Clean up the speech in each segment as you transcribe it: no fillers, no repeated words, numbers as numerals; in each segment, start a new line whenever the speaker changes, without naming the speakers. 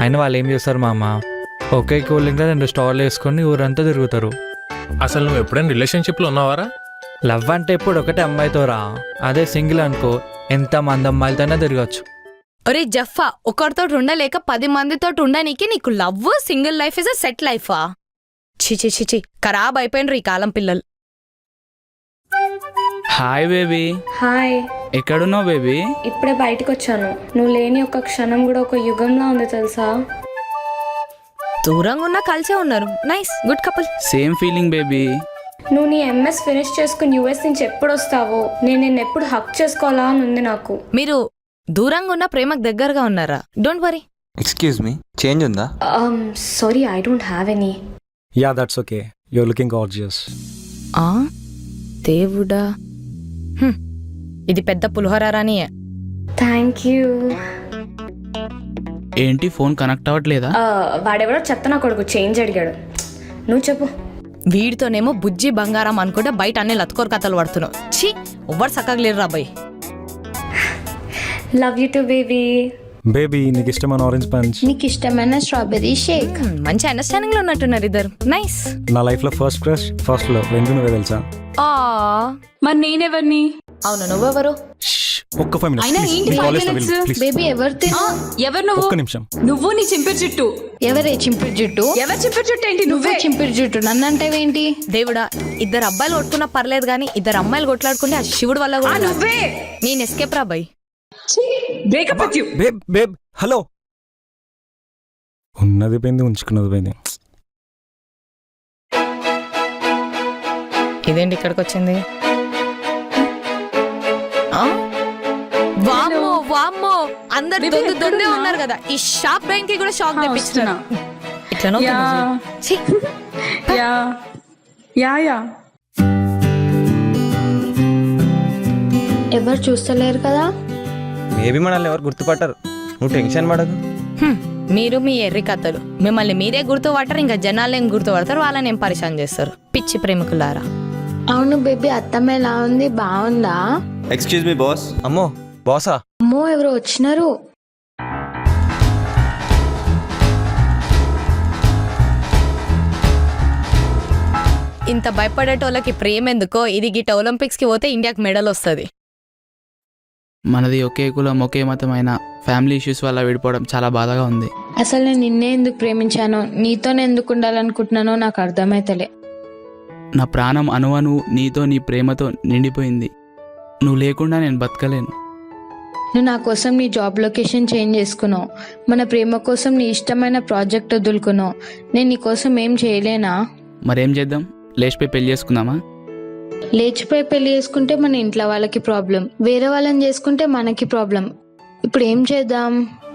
ఆయన వాళ్ళు ఏం చేస్తారు మామ, ఒకే కూలింగ్లో 2 స్టార్లు వేసుకొని ఊరంతా తిరుగుతారు.
అసలు నువ్వు ఎప్పుడైనా రిలేషన్షిప్లో ఉన్నావారా?
లవ్ అంటే ఇప్పుడు ఒకటే అమ్మాయితో రా, అదే సింగిల్ అనుకో ఎంత మంది అమ్మాయిలతోనే తిరగచ్చు.
ఒరే జఫ్ఫా, ఒకరితో ఉండలేక 10 మందితో ఉండనీకి నీకు love single life is a set లైఫా? చిచి చిచి, ఖరాబ్ అయిపోయినరు ఈ కాలం పిల్లలు.
Hi baby.
హాయ్.
ఎక్కడున్నావు బేబీ?
ఇప్పుడే బయటకు వచ్చాను. నువ్వు లేని ఒక క్షణం కూడా ఒక యుగంలా ఉంది తెలుసా.
దూరంగా ఉన్నా కలిసే ఉన్నారు. Nice, good couple.
Same feeling baby.
నువ్వు నీ ఎంఎస్ ఫినిష్ చేసుకుని యూఎస్ నుంచి ఎప్పుడు వస్తావో, నేను నిన్ను ఎప్పుడు హక్ చేసుకోవాలా అని ఉంది నాకు.
మీరు దూరంగా ఉన్న ప్రేమకు దగ్గరగా ఉన్నారా? Don't worry.
Excuse me, change ఉందా?
Sorry, I don't have any.
Yeah that's okay, you are looking gorgeous.
ఆ దేవుడా, ఇది పెద్ద పులిహోరాని.
Thank you.
ఏంటి ఫోన్ కనెక్ట్ అవ్వట్లేదా?
వాడెవడో చెత్త నా కొడుకు చేంజ్ అడిగాడు. నువ్వు చెప్పు.
వీడితోనేమో బుజ్జి బంగారం అనుకుంటే బయట అన్ని లత్కోర్ కథలు పడుతున్నావు. ఛీ, ఎవ్వరు సక్కగా లేరు రాబాయ్.
Love you too baby.
Baby నీకు ఇష్టమైన ఆరెంజ్ పంచ్,
నీకు ఇష్టమైన స్ట్రాబెర్రీ షేక్.
మంచి అండర్స్టాండింగ్ లో ఉన్నట్టున్నారు ఇద్దరు. నైస్.
నా లైఫ్ లో ఫస్ట్ క్రష్, ఫస్ట్ లో రెండు నువ్వే తెలుసా.
మరి నేనెవరిని?
అవును, నువ్వెవరు?
ఒక్క 5 minutes.
బేబీ ఎవరు
ఎవరు నువ్వు?
ఒక్క నిమిషం.
నువ్వు నీ చింపిరి జుట్టు.
ఎవరే చింపిరి జుట్టు?
ఎవరు చింపిరి జుట్టు ఏంటి? నువ్వే
చింపిరి జుట్టు. నన్ను అంటేవేంటి?
దేవుడా, ఇద్దరు అబ్బాయిలు కొట్టుకున్నా పర్లేదు కానీ ఇద్దరు అమ్మాయిలు కొట్లాడుకుంటే ఆ శివుడు వల్ల కూడా.
నువ్వే.
నేను ఎస్కేప్ రాబాయ్.
Breakup with you.
Babe babe hello. ఉన్నది పోయింది, ఉంచుకున్నది పోయింది.
ఇదేంటి ఇక్కడికి వచ్చింది? వామ్మో వామ్మో, అందరు దొందే ఉన్నారు కదా. ఈ షాప్ బ్యాంక్ కి కూడా షాక్ తెప్పిస్తున్నా. ఇట్లా
ఎవరు చూస్తలేరు కదా.
మేబీ మనల్ని ఎవరు గుర్తుపట్టారు, నువ్వు టెన్షన్ పడకు.
మీరు మీ ఎర్రి కథలు, మిమ్మల్ని మీరే గుర్తుపడతారు, ఇంకా జనాలు ఏం గుర్తుపడతారు, వాళ్ళని ఏం పరిశాన్ చేస్తారు. పిచ్చి ప్రేమికులారా.
అవును బేబీ, అత్తమ్మ ఎలా ఉంది? బాగుందా?
Excuse me boss. అమ్మో బాసా?
అమ్మో, ఎవరు వచ్చినారు?
ఇంత భయపడేటోళ్ళకి ప్రేమ ఎందుకో. ఇది గిట్ట ఒలింపిక్స్ కి పోతే ఇండియాకి మెడల్ వస్తుంది.
మనది ఒకే కులం ఒకే మతం అయినా ఫ్యామిలీ ఇష్యూస్ వల్ల విడిపోవడం చాలా బాధగా ఉంది.
అసలు నేను నిన్నే ఎందుకు ప్రేమించానో, నీతోనే ఎందుకు ఉండాలనుకుంటున్నానో నాకు అర్థమైతలే.
నా ప్రాణం అణువను నీతో నీ ప్రేమతో నిండిపోయింది. నువ్వు లేకుండా నేను బతకలేను.
నువ్వు నా కోసం నీ జాబ్ లొకేషన్ చేంజ్ చేసుకున్నావు, మన ప్రేమ కోసం నీ ఇష్టమైన ప్రాజెక్ట్ వదులుకున్నావు. నేను నీ కోసం ఏం చేయలేనా?
మరేం చేద్దాం, లేచిపోయి పెళ్లి చేసుకుందామా?
లేచిపోయి పెళ్లి చేసుకుంటే మన ఇంట్లో వాళ్ళకి ప్రాబ్లం, వేరే వాళ్ళని చేసుకుంటే మనకి ప్రాబ్లం. ఇప్పుడు ఏం చేద్దాం?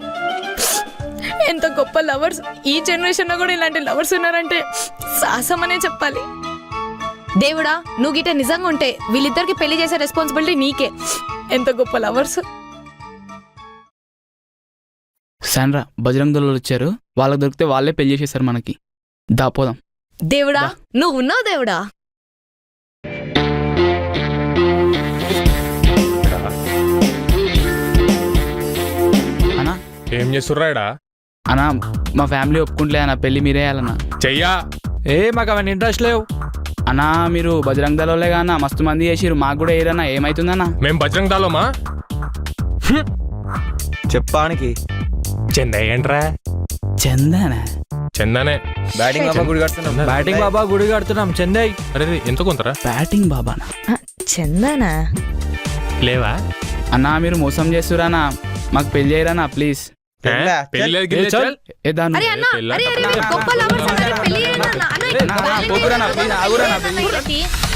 ఎంత గొప్ప లవర్స్ ఈ జనరేషన్ లో కూడా ఇలాంటి లవర్స్ ఉన్నారంటే సాహసం అనే చెప్పాలి. దేవుడా, నువ్వు గిట్ట నిజంగా ఉంటే వీళ్ళిద్దరికి పెళ్లి చేసే రెస్పాన్సిబిలిటీ నీకే. ఎంత గొప్ప లవర్స్.
శాండ్రా, బజరంగ్ దళాలు వచ్చారు, వాళ్ళకి దొరికితే వాళ్ళే పెళ్లి చేసేసారు మనకి. దాపోదాం.
దేవుడా, నువ్వు ఉన్నావు దేవుడా.
అన్నా
ఏం చేస్తుర్రాడా?
అన్నా, మా ఫ్యామిలీ ఒప్పుకుంటలే అన్న, పెళ్లి మీరే వేయాలన్నా.
చెయ్యా.
మాకు అవన్నీ ఇంట్రెస్ట్ లేవు
అన్నా. మీరు బజరంగ్ దళాలే కానా, మస్తు మంది చేసిరు, మాకు కూడా ఏరన్నా. ఏమైతుందన్నా?
మేం బజరంగ్ దళమా?
చెప్పానికి
చెన్నై ఏంట్రా?
చందనా?
చందనే.
బ్యాటింగ్ బాబా గుడి కడుతున్నాం.
బ్యాటింగ్ బాబా గుడి కడుతున్నాం చెన్నై.
అరే ఎంత కొంతరా?
బ్యాటింగ్ బాబానా?
చందనా
లేవా
అన్నా? మీరు మోసం చేస్తురానా? మాకు పెళ్లి చేయరానా ప్లీజ్? ఏ దాన్ని
అరే అన్న, అరే అరే గొప్ప లవర్స్ అన్నారు, పెళ్లి చేయనా అన్న? అన్న,
పోకురానా ప్లీజ్, ఆగురానా ప్లీజ్.